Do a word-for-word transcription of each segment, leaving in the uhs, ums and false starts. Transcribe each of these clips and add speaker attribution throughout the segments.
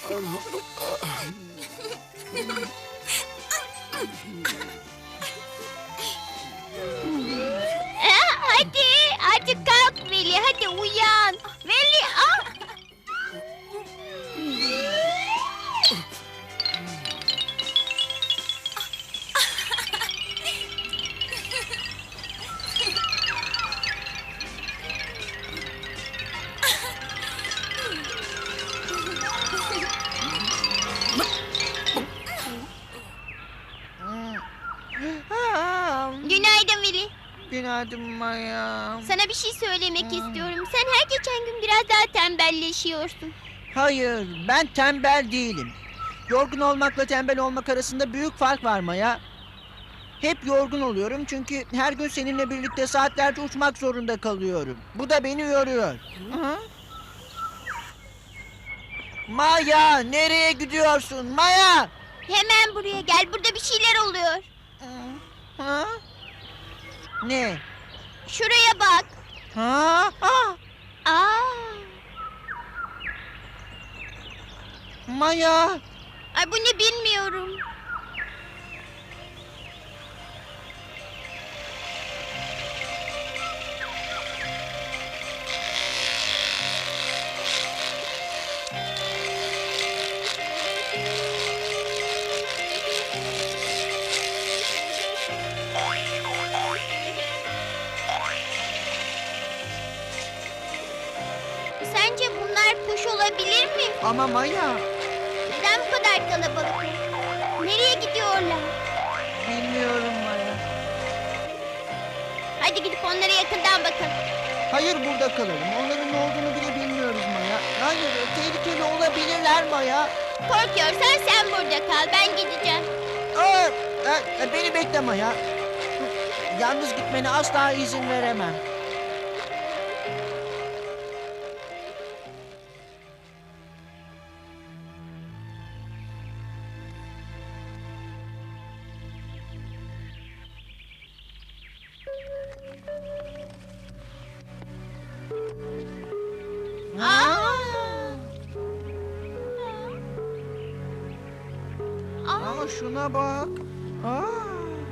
Speaker 1: Aa, hadi, hadi kalk Veli, hadi uyan. Veli, ah! Günaydın Veli.
Speaker 2: Günaydın Maya.
Speaker 1: Sana bir şey söylemek istiyorum. Sen her geçen gün biraz daha tembelleşiyorsun.
Speaker 2: Hayır, ben tembel değilim. Yorgun olmakla tembel olmak arasında büyük fark var Maya. Hep yorgun oluyorum çünkü her gün seninle birlikte saatlerce uçmak zorunda kalıyorum. Bu da beni yoruyor. Hı? Maya, nereye gidiyorsun? Maya!
Speaker 1: Hemen buraya gel, burada bir şeyler oluyor.
Speaker 2: Ha? Ne?
Speaker 1: Şuraya bak.
Speaker 2: Ha? Ah!
Speaker 1: Aa,
Speaker 2: Maya!
Speaker 1: ay bu ne bilmiyorum. Sence bunlar kuş olabilir mi?
Speaker 2: Ama Maya,
Speaker 1: Neden bu kadar kalabalık? Nereye gidiyorlar?
Speaker 2: bilmiyorum Maya.
Speaker 1: Hadi gidip onlara yakından bakalım.
Speaker 2: Hayır, burada kalalım. Onların ne olduğunu bile bilmiyoruz Maya. Hayır, tehlikeli olabilirler Maya.
Speaker 1: Korkuyorsan sen burada kal, ben gideceğim.
Speaker 2: Aa, e, beni bekle Maya. Yalnız gitmene asla izin veremem.
Speaker 1: Aa! Aa!
Speaker 2: Ama şuna bak. Aa.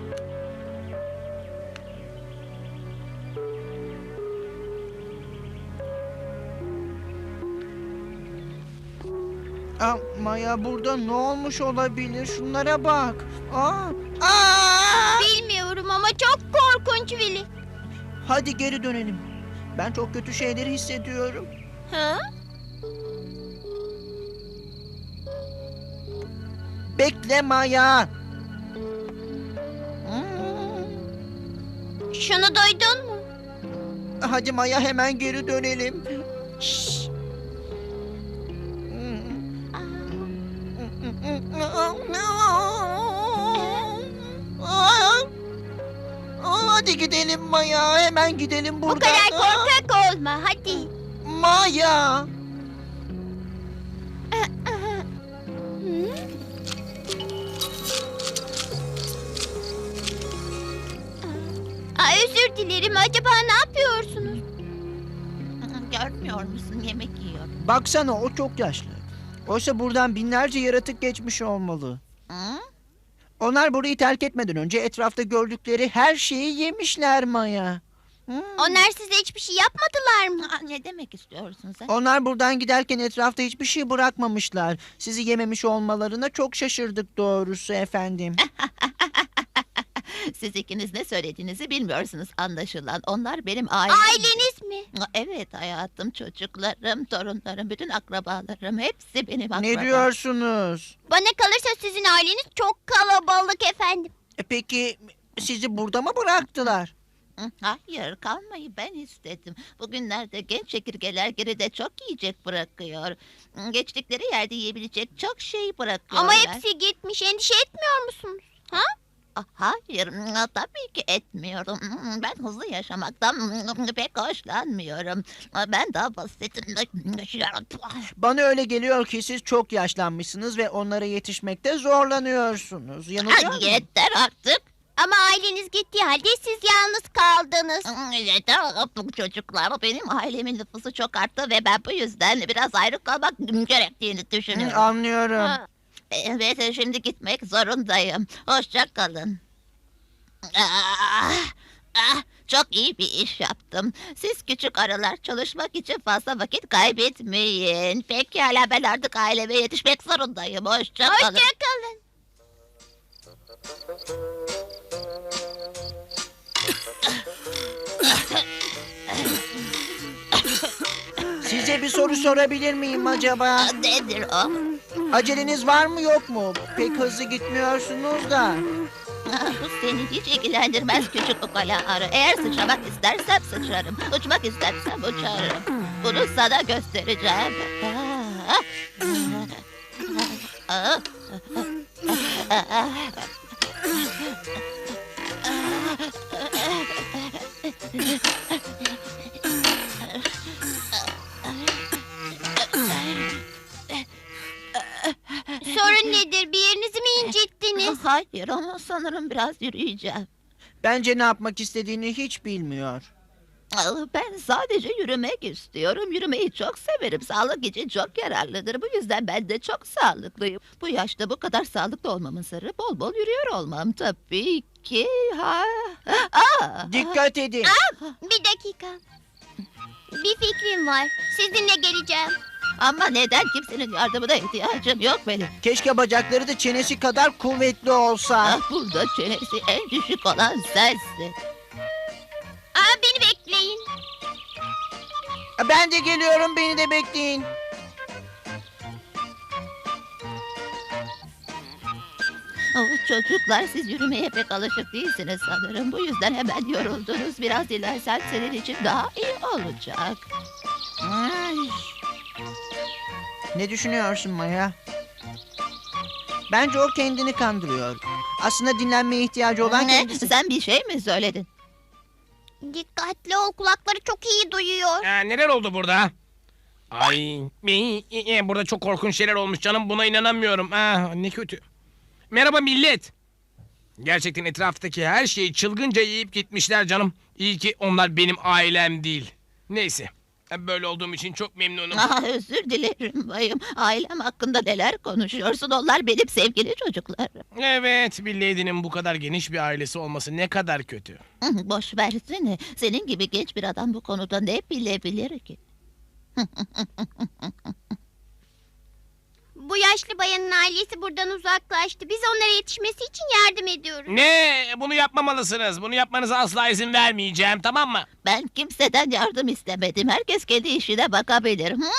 Speaker 2: Aa, Maya, burada ne olmuş olabilir? Şunlara bak. Aa. Aa!
Speaker 1: Bilmiyorum ama çok korkunç Veli.
Speaker 2: Hadi geri dönelim. Ben çok kötü şeyleri hissediyorum.
Speaker 1: Ha?
Speaker 2: Bekle Maya. Hmm.
Speaker 1: Şunu duydun mu?
Speaker 2: Hadi Maya, hemen geri dönelim.
Speaker 1: Şşş.
Speaker 2: Hmm.
Speaker 1: Aa.
Speaker 2: Hadi gidelim Maya, hemen gidelim
Speaker 1: Bu
Speaker 2: buradan.
Speaker 1: kadar korkak olma, hadi.
Speaker 2: Maya.
Speaker 1: Hı? Aa, özür dilerim. Acaba ne yapıyorsunuz?
Speaker 3: Görmüyor musun? Yemek yiyor.
Speaker 2: Baksana, o çok yaşlı. Oysa buradan binlerce yaratık geçmiş olmalı.
Speaker 3: Hı?
Speaker 2: Onlar burayı terk etmeden önce etrafta gördükleri her şeyi yemişler Maya. Hmm.
Speaker 1: Onlar size hiçbir şey yapmadılar mı?
Speaker 3: Aa, ne demek istiyorsun sen?
Speaker 2: Onlar buradan giderken etrafta hiçbir şey bırakmamışlar. Sizi yememiş olmalarına çok şaşırdık doğrusu efendim.
Speaker 3: Siz ikiniz ne söylediğinizi bilmiyorsunuz anlaşılan. Onlar benim ailem.
Speaker 1: Aileniz mi?
Speaker 3: Evet hayatım, çocuklarım, torunlarım, bütün akrabalarım hepsi benim akrabam.
Speaker 2: Ne diyorsunuz?
Speaker 1: Bana kalırsa sizin aileniz çok kalabalık efendim.
Speaker 2: E peki sizi burada mı bıraktılar?
Speaker 3: Hı, hayır, kalmayı ben istedim. Bugünlerde genç çekirgeler geride çok yiyecek bırakıyor. Hı, Geçtikleri yerde yiyebilecek çok şey bırakıyorlar.
Speaker 1: Ama hepsi gitmiş. Endişe etmiyor musunuz? Ha?
Speaker 3: Ah, hayır, mm, tabii ki etmiyorum. Mm, Ben hızlı yaşamaktan mm, pek hoşlanmıyorum. Ah, Ben daha basitim.
Speaker 2: Bana öyle geliyor ki siz çok yaşlanmışsınız ve onlara yetişmekte zorlanıyorsunuz. Yanılıyor
Speaker 3: Ah,
Speaker 2: muyum?
Speaker 3: yeter artık.
Speaker 1: Ama aileniz gittiği halde siz yalnız kaldınız.
Speaker 3: Yeter bu çocuklar. Benim ailemin nüfusu çok arttı ve ben bu yüzden biraz ayrı kalmak gerektiğini
Speaker 2: Hı,
Speaker 3: düşünüyorum.
Speaker 2: anlıyorum.
Speaker 3: Evet, şimdi gitmek zorundayım. Hoşça kalın. Ah, ah, çok iyi bir iş yaptım. Siz küçük arılar çalışmak için fazla vakit kaybetmeyin. Pekala, ben artık aileme yetişmek zorundayım. Hoşça kalın.
Speaker 1: Hoşçakalın.
Speaker 2: Size bir soru sorabilir miyim acaba?
Speaker 3: Nedir o?
Speaker 2: Aceleniz var mı yok mu? Pek hızlı gitmiyorsunuz da.
Speaker 3: Ah, bu seni hiç ilgilendirmez küçük ukala arı. Eğer sıçramak istersem sıçrarım. Uçmak istersem uçarım. Bunu sana göstereceğim. Ah, ah, ah, ah.
Speaker 1: Sorun nedir? Bir yerinizi mi incittiniz?
Speaker 3: Hayır ama sanırım biraz yürüyeceğim.
Speaker 2: Bence ne yapmak istediğini hiç bilmiyor.
Speaker 3: Ah, ben sadece yürümek istiyorum. Yürümeyi çok severim. Sağlık için çok yararlıdır. Bu yüzden ben de çok sağlıklıyım. Bu yaşta bu kadar sağlıklı olmamın sırrı bol bol yürüyor olmam tabii ki. Ha. Aa!
Speaker 2: Dikkat edin.
Speaker 1: Bir dakika. Bir fikrim var. Sizinle geleceğim.
Speaker 3: Ama neden kimsenin yardımına ihtiyacım yok benim.
Speaker 2: Keşke bacakları da çenesi kadar kuvvetli olsa.
Speaker 3: Ah, burada çenesi en düşük olan sensin.
Speaker 1: Aa, beni bekleyin.
Speaker 2: Ben de geliyorum, beni de bekleyin.
Speaker 3: Oh, çocuklar, siz yürümeye pek alışık değilsiniz sanırım. Bu yüzden hemen yoruldunuz. Biraz dilersen senin için daha iyi olacak. Ay.
Speaker 2: Ne düşünüyorsun Maya? Bence o kendini kandırıyor. Aslında dinlenmeye ihtiyacı olan
Speaker 3: Ne?
Speaker 2: kendisi.
Speaker 3: Sen bir şey mi söyledin?
Speaker 1: Dikkatli ol. Kulakları çok iyi duyuyor.
Speaker 4: Aa, neler oldu burada? Ay, mi- e, burada çok korkunç şeyler olmuş canım. Buna inanamıyorum. Ah, ne kötü. Merhaba millet. Gerçekten etraftaki her şeyi çılgınca yiyip gitmişler canım. İyi ki onlar benim ailem değil. Neyse. Böyle olduğum için çok memnunum.
Speaker 3: Ah, özür dilerim bayım. Ailem hakkında neler konuşuyorsun? Onlar benim sevgili çocuklarım.
Speaker 4: Evet, bir lady'nin bu kadar geniş bir ailesi olması ne kadar kötü.
Speaker 3: Hı, boş versene. Senin gibi genç bir adam bu konuda ne bilebilir ki?
Speaker 1: Bu yaşlı bayanın ailesi buradan uzaklaştı. Biz onlara yetişmesi için yardım ediyoruz.
Speaker 4: Ne? Bunu yapmamalısınız. Bunu yapmanıza asla izin vermeyeceğim, tamam mı?
Speaker 3: Ben kimseden yardım istemedim. Herkes kendi işine bakabilir. Hı?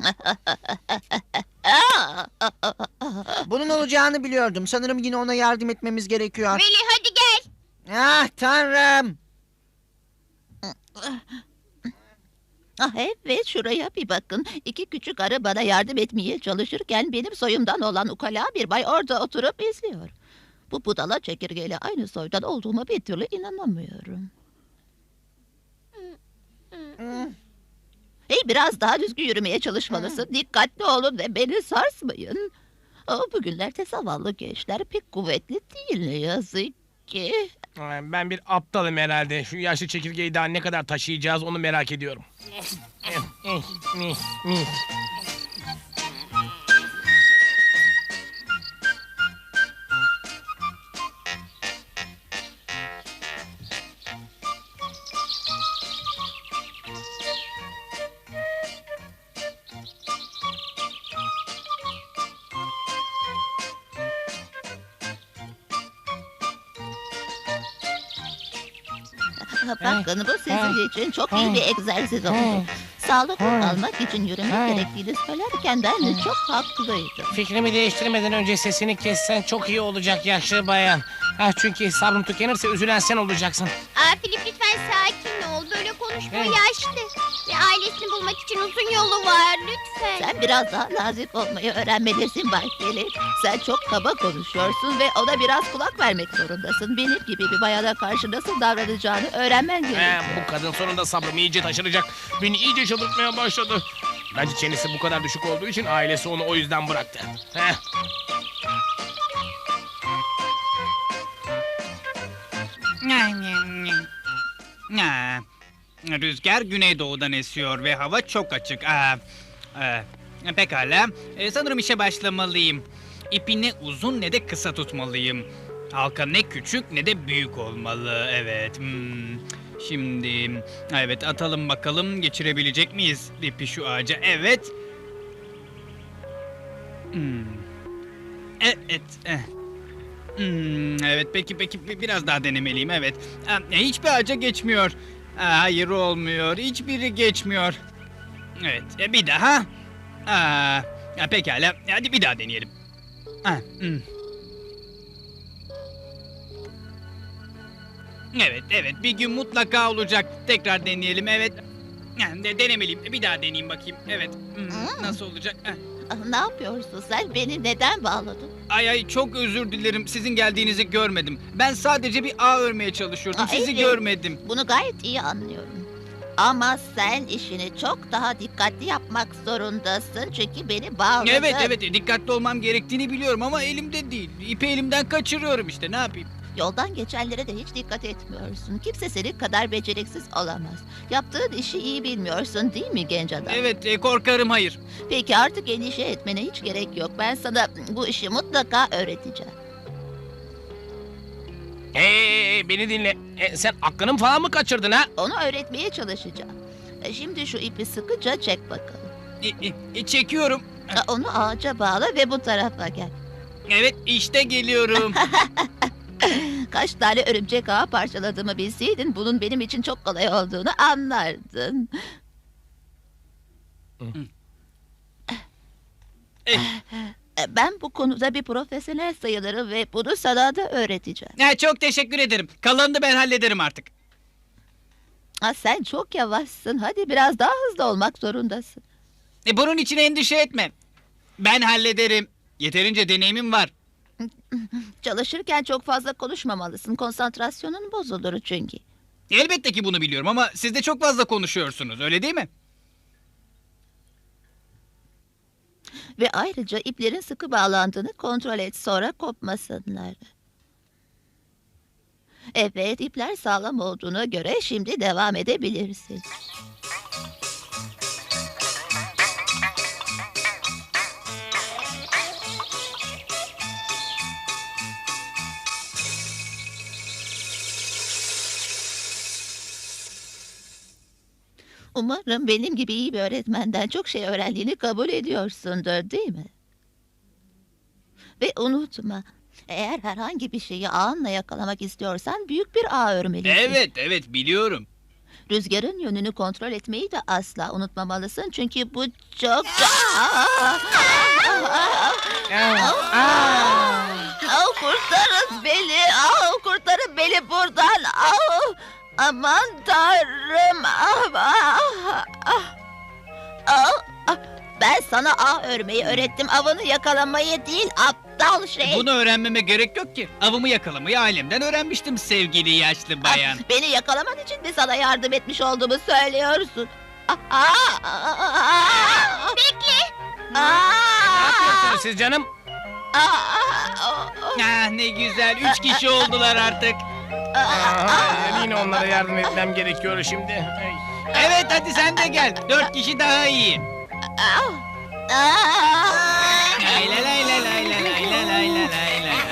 Speaker 2: Bunun olacağını biliyordum. Sanırım yine ona yardım etmemiz gerekiyor.
Speaker 1: Veli hadi gel.
Speaker 2: Ah tanrım.
Speaker 3: Ah evet, şuraya bir bakın. İki küçük arı bana yardım etmeye çalışırken benim soyumdan olan ukala bir bay orada oturup izliyor. Bu budala çekirgeyle aynı soydan olduğuma bir türlü inanamıyorum. Hey, biraz daha düzgün yürümeye çalışmalısın. Dikkatli olun ve beni sarsmayın. Oh, bugünlerde zavallı gençler pek kuvvetli değil ne yazık ki.
Speaker 4: Ee, Ben bir aptalım herhalde. Şu yaşlı çekirgeyi daha ne kadar taşıyacağız onu merak ediyorum.
Speaker 3: Bakın, bu sizin için çok iyi bir egzersiz oldu. Sağlıklı kalmak için yürümek gerektiğini söylerken ben de çok haklıydım.
Speaker 4: Fikrimi değiştirmeden önce sesini kessen çok iyi olacak yaşlı bayan. Ha, çünkü sabrım tükenirse üzülen sen olacaksın.
Speaker 1: Aa, Filip lütfen sakin ol. Böyle konuşma,
Speaker 4: Evet.
Speaker 1: yaşlı. Ve ailesini bulmak için uzun yolu var. Lütfen.
Speaker 3: Sen biraz daha nazik olmayı öğrenmelisin Bay Filip. Sen çok kaba konuşuyorsun ve ona biraz kulak vermek zorundasın. Benim gibi bir bayana karşı nasıl davranacağını öğrenmen
Speaker 4: Ha,
Speaker 3: gerekiyor.
Speaker 4: bu kadın sonunda sabrımı iyice taşıracak. Beni iyice çıldırtmaya başladı. Bence çenesi bu kadar düşük olduğu için ailesi onu o yüzden bıraktı. Heh.
Speaker 5: Ha, rüzgar güneydoğudan esiyor ve hava çok açık. Aa, e, pekala. E, sanırım işe başlamalıyım. İpi ne uzun ne de kısa tutmalıyım. Halka ne küçük ne de büyük olmalı. Evet. Hmm. Şimdi evet atalım bakalım geçirebilecek miyiz ipi şu ağaca? Evet. Hmm. Evet. eh. Hmm, evet peki peki bi- biraz daha denemeliyim evet. Ha, hiçbir ağaca geçmiyor. Ha, hayır olmuyor. Hiçbiri geçmiyor. Evet e, bir daha. Aa, ya, pekala hadi bir daha deneyelim. Ha, hmm. Evet evet bir gün mutlaka olacak. Tekrar deneyelim evet. Ha, de, denemeliyim. Bir daha deneyeyim bakayım. Evet. Hmm,
Speaker 3: Hmm.
Speaker 5: nasıl olacak? Ha.
Speaker 3: Ah, ne yapıyorsun sen? Beni neden bağladın?
Speaker 5: Ay ay çok özür dilerim. Sizin geldiğinizi görmedim. Ben sadece bir ağ örmeye çalışıyordum.
Speaker 3: Aa,
Speaker 5: Sizi
Speaker 3: evet.
Speaker 5: görmedim.
Speaker 3: Bunu gayet iyi anlıyorum. Ama sen işini çok daha dikkatli yapmak zorundasın çünkü beni bağladın.
Speaker 5: Evet evet dikkatli olmam gerektiğini biliyorum ama elimde değil. İpi elimden kaçırıyorum işte ne yapayım?
Speaker 3: Yoldan geçenlere de hiç dikkat etmiyorsun. Kimse senin kadar beceriksiz olamaz. Yaptığın işi iyi bilmiyorsun değil mi genç adam?
Speaker 5: Evet e, korkarım hayır.
Speaker 3: Peki artık endişe etmene hiç gerek yok. Ben sana bu işi mutlaka öğreteceğim.
Speaker 4: Hey, beni dinle. E, sen aklını falan mı kaçırdın ha?
Speaker 3: Onu öğretmeye çalışacağım. E, Şimdi şu ipi sıkıca çek bakalım.
Speaker 5: E, e, e, çekiyorum.
Speaker 3: E, Onu ağaca bağla ve bu tarafa gel.
Speaker 5: Evet işte geliyorum.
Speaker 3: Kaç tane örümcek ağı parçaladığımı bilseydin bunun benim için çok kolay olduğunu anlardın.
Speaker 5: Eh,
Speaker 3: E, Ben bu konuda bir profesyonel sayılırım ve bunu sana da öğreteceğim.
Speaker 5: ha, çok teşekkür ederim. Kalanını ben hallederim artık.
Speaker 3: Ha, sen çok yavaşsın. Hadi biraz daha hızlı olmak zorundasın.
Speaker 5: E, bunun için endişe etme. Ben hallederim. Yeterince deneyimim var.
Speaker 3: Çalışırken çok fazla konuşmamalısın. Konsantrasyonun bozulur çünkü.
Speaker 5: Elbette ki bunu biliyorum ama siz de çok fazla konuşuyorsunuz öyle değil mi?
Speaker 3: Ve ayrıca iplerin sıkı bağlandığını kontrol et, sonra kopmasınlar. Evet, ipler sağlam olduğuna göre şimdi devam edebilirsin. Umarım benim gibi iyi bir öğretmenden çok şey öğrendiğini kabul ediyorsundur, değil mi? Ve unutma, eğer herhangi bir şeyi ağınla yakalamak istiyorsan büyük bir ağ örmelisin.
Speaker 5: Evet evet biliyorum.
Speaker 3: Rüzgarın yönünü kontrol etmeyi de asla unutmamalısın çünkü bu çok... Au, kurtarın beni, au, kurtarın beni buradan, au. Aman tanrım. Ah, ah, ah. Ah, ah. Ben sana ağ örmeyi öğrettim. Avını yakalamayı değil, aptal şey.
Speaker 5: Bunu öğrenmeme gerek yok ki. Avımı yakalamayı ailemden öğrenmiştim sevgili yaşlı bayan.
Speaker 3: Ah, beni yakalaman için mi sana yardım etmiş olduğumu söylüyorsun? Ah, ah, ah, ah.
Speaker 1: Bekle.
Speaker 3: Ah,
Speaker 4: Ne yapıyorsunuz siz canım?
Speaker 3: ah, ah, ah,
Speaker 5: Ah ne güzel. Üç kişi oldular artık.
Speaker 3: ah,
Speaker 4: Aa, yine onlara yardım etmem gerekiyor şimdi. Ay.
Speaker 5: Evet hadi sen de gel. Dört kişi daha iyi.
Speaker 3: ah, ah.
Speaker 5: Lay lay lay lay lay lay lay lay lay lay lay lay.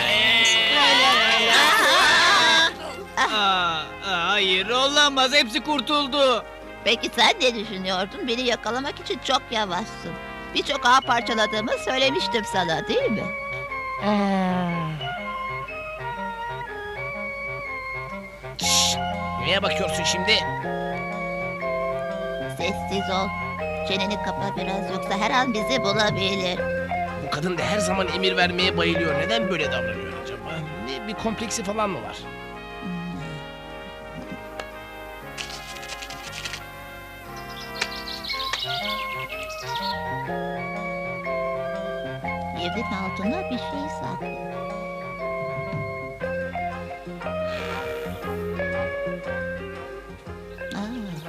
Speaker 5: Aa, aa, hayır olamaz. Hepsi kurtuldu.
Speaker 3: Peki sen ne düşünüyordun? Beni yakalamak için çok yavaşsın. Birçok ağ parçaladığımı söylemiştim sana, değil mi?
Speaker 4: Şşş, neye bakıyorsun şimdi?
Speaker 3: Sessiz ol. Çeneni kapa biraz yoksa her an bizi bulabilir.
Speaker 4: Bu kadın da her zaman emir vermeye bayılıyor. Neden böyle davranıyor acaba? Ne, bir kompleksi falan mı var?
Speaker 3: Yerin altına bir şey saklı. Aa.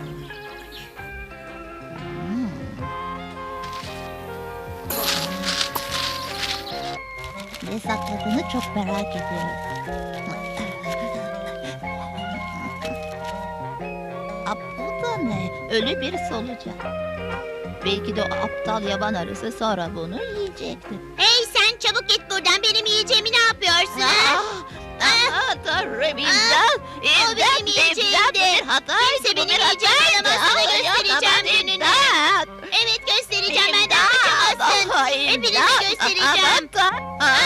Speaker 3: Hmm. Ne sakladığını çok merak ediyorum. Ölü bir solucan. Belki de o aptal yaban arısı sonra bunu yiyecekti.
Speaker 1: Hey sen çabuk git buradan. Benim yiyeceğimi ne yapıyorsun? ha?
Speaker 3: Ah, ah, Tanrım imdat! İmdat!
Speaker 1: benim yiyeceğimdi.
Speaker 3: İmdat! Bir hataydı,
Speaker 1: Kimse
Speaker 3: bu
Speaker 1: benim
Speaker 3: bir
Speaker 1: yiyeceğimi
Speaker 3: hataydı.
Speaker 1: alamaz, sana
Speaker 3: Ah,
Speaker 1: göstereceğim
Speaker 3: ya,
Speaker 1: gününü.
Speaker 3: imdat!
Speaker 1: Evet göstereceğim. Benden
Speaker 3: İmdat!
Speaker 1: kaçamazsın.
Speaker 3: Ah,
Speaker 1: Hepinize
Speaker 3: imdat!
Speaker 1: göstereceğim.
Speaker 3: Ah, ah, ah,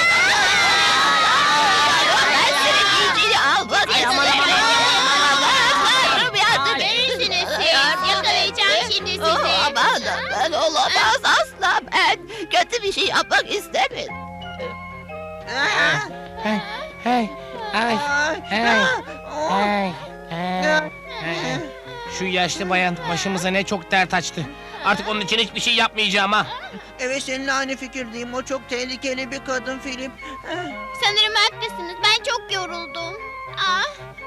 Speaker 3: Ben senin yiyeceğini almadım.
Speaker 1: Ay, aman, aman,
Speaker 3: Tanrım yardım et.
Speaker 1: Görürsünüz siz.
Speaker 3: Yardım
Speaker 1: Yakalayacağım
Speaker 3: et.
Speaker 1: şimdi sizi.
Speaker 3: Oh, aman aman olamaz asla ben kötü bir şey yapmak istemedim.
Speaker 2: Ah,
Speaker 4: Hey, hey, ay,
Speaker 2: ah,
Speaker 4: hey,
Speaker 2: ah, oh.
Speaker 4: hey, hey, hey. Şu yaşlı bayan başımıza ne çok dert açtı. Artık onun için hiçbir şey yapmayacağım ha.
Speaker 2: Evet, seninle aynı fikirdeyim. O çok tehlikeli bir kadın Filip. Ah,
Speaker 1: Sanırım haklısınız. Ben çok yoruldum. Ah.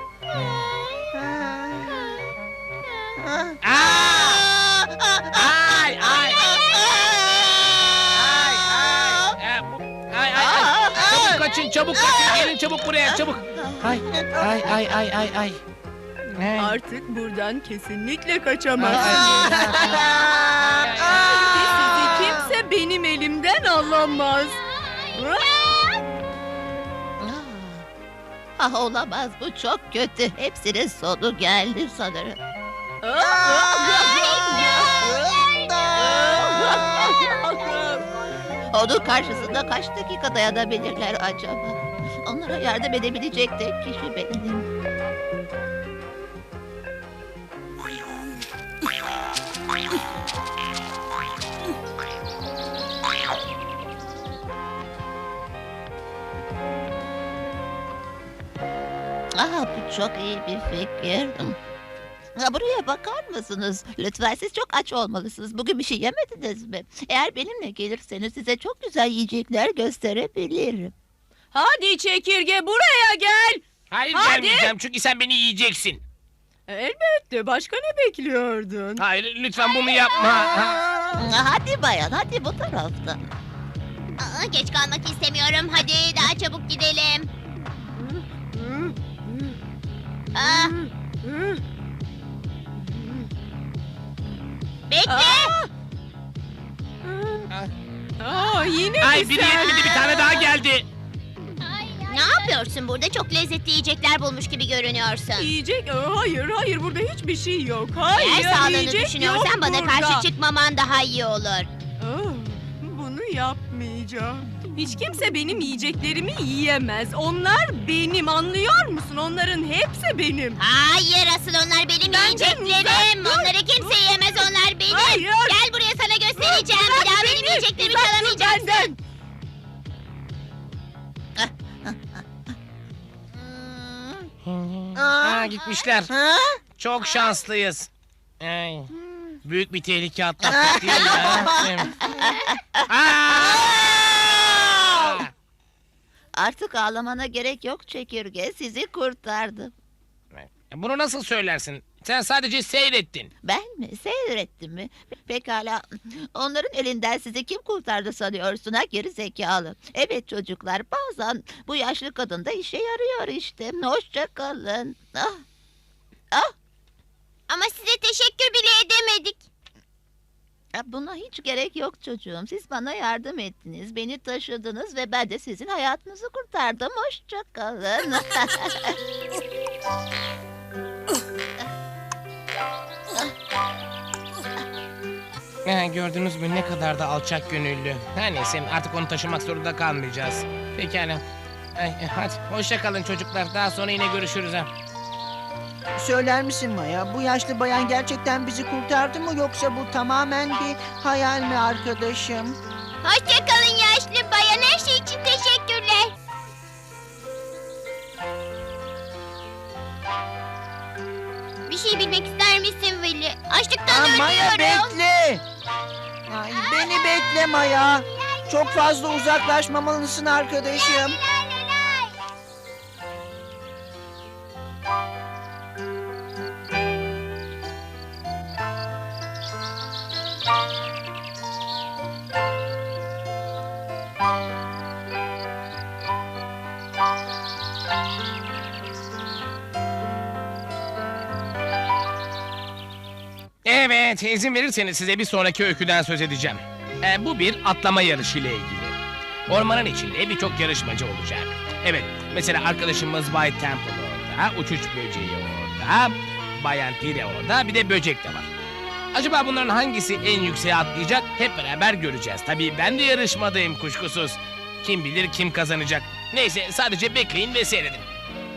Speaker 2: ah, ah.
Speaker 4: Aa!
Speaker 1: Ah, ah,
Speaker 4: Ay, ay, ay, ay, ay, ay, ay. Çabuk kaçın, çabuk kaçın. Gelin çabuk buraya, çabuk. Ay, ay, ay, ay, ay, ay. Hey.
Speaker 6: Artık buradan kesinlikle
Speaker 4: Ay,
Speaker 6: kaçamazsınız.
Speaker 4: ay.
Speaker 6: Ve sizi kimse benim elimden alamaz.
Speaker 3: Ah olamaz bu çok kötü. Hepsinin sonu geldi sanırım. Onun karşısında kaç dakika dayanabilirler acaba? Onlara yardım edebilecek tek kişi benim. Ah bu çok iyi bir fikir. Ha, buraya bakar mısınız? Lütfen siz çok aç olmalısınız. Bugün bir şey yemediniz mi? Eğer benimle gelirseniz size çok güzel yiyecekler gösterebilirim.
Speaker 6: Hadi çekirge buraya gel.
Speaker 4: Hayır
Speaker 6: Hadi.
Speaker 4: gelmeyeceğim çünkü sen beni yiyeceksin.
Speaker 6: Elbette. Başka ne bekliyordun?
Speaker 4: Hayır lütfen bunu yapma. Ha.
Speaker 3: Ha, Hadi bayan hadi bu taraftan.
Speaker 1: Aa, geç kalmak istemiyorum. Hadi daha çabuk gidelim. Ah, bekle.
Speaker 6: Aa, yine
Speaker 4: Ay
Speaker 6: mi
Speaker 4: biri
Speaker 6: sen?
Speaker 4: yetmedi bir tane daha geldi.
Speaker 1: Ne yapıyorsun burada? Çok lezzetli yiyecekler bulmuş gibi görünüyorsun.
Speaker 6: Yiyecek? Aa, hayır hayır burada hiçbir şey yok. Hayır
Speaker 1: Eğer sağlığını
Speaker 6: yiyecek
Speaker 1: düşünüyorsan
Speaker 6: yok
Speaker 1: bana
Speaker 6: burada.
Speaker 1: karşı çıkmaman daha iyi olur.
Speaker 6: Aa, bunu yapmayacağım. Hiç kimse benim yiyeceklerimi yiyemez. Onlar benim, anlıyor musun? Onların hepsi benim.
Speaker 1: Hayır asıl onlar benim
Speaker 6: Benden
Speaker 1: yiyeceklerim.
Speaker 6: uzak dur.
Speaker 1: Onları kimse yiyemez, onlar benim.
Speaker 6: Hayır.
Speaker 1: Gel buraya sana göstereceğim.
Speaker 6: Bırak
Speaker 1: Bir daha
Speaker 6: beni,
Speaker 1: benim yiyeceklerimi
Speaker 6: uzak dur
Speaker 1: çalamayacaksın.
Speaker 6: benden.
Speaker 4: Ha gitmişler.
Speaker 2: Ha?
Speaker 4: Çok şanslıyız. Ay. Büyük bir tehlike atlattık değil mi? ha? Değil mi? Aa!
Speaker 3: Artık ağlamana gerek yok çekirge. Sizi kurtardım.
Speaker 4: Bunu nasıl söylersin? Sen sadece seyrettin.
Speaker 3: Ben mi? Seyrettim mi? Pekala. Onların elinden sizi kim kurtardı sanıyorsun ha geri zekalı? Evet çocuklar bazen bu yaşlı kadın da işe yarıyor işte. Hoşça kalın. Ah. Ah.
Speaker 1: Ama size teşekkür bile edemedik.
Speaker 3: Ya buna hiç gerek yok çocuğum. Siz bana yardım ettiniz. Beni taşıdınız ve ben de sizin hayatınızı kurtardım. Hoşça kalın.
Speaker 4: Ha, gördünüz mü ne kadar da alçak gönüllü. Her neyse artık onu taşımak zorunda kalmayacağız. Pekala. Ay, e, hadi hoşça kalın çocuklar. Daha sonra yine görüşürüz ha.
Speaker 2: Söyler misin Maya? Bu yaşlı bayan gerçekten bizi kurtardı mı yoksa bu tamamen bir hayal mi arkadaşım?
Speaker 1: Hoşça kalın yaşlı bayan. Her şey için teşekkürler. Bir şey bilmek ister misin Willy? Açlıktan
Speaker 2: Aa,
Speaker 1: ölüyorum.
Speaker 2: Maya bekle. Ay, beni bekle Maya. Çok fazla uzaklaşmamalısın arkadaşım.
Speaker 4: Evet, izin verirseniz size bir sonraki öyküden söz edeceğim. Ee, bu bir atlama yarışı ile ilgili. Ormanın içinde birçok yarışmacı olacak. Evet, mesela arkadaşımız White Temple orada, uçuş böceği orada, Bayan Pire orada, bir de böcek de var. Acaba bunların hangisi en yükseğe atlayacak hep beraber göreceğiz. Tabii ben de yarışmadayım kuşkusuz. Kim bilir kim kazanacak. Neyse sadece bekleyin ve seyredin.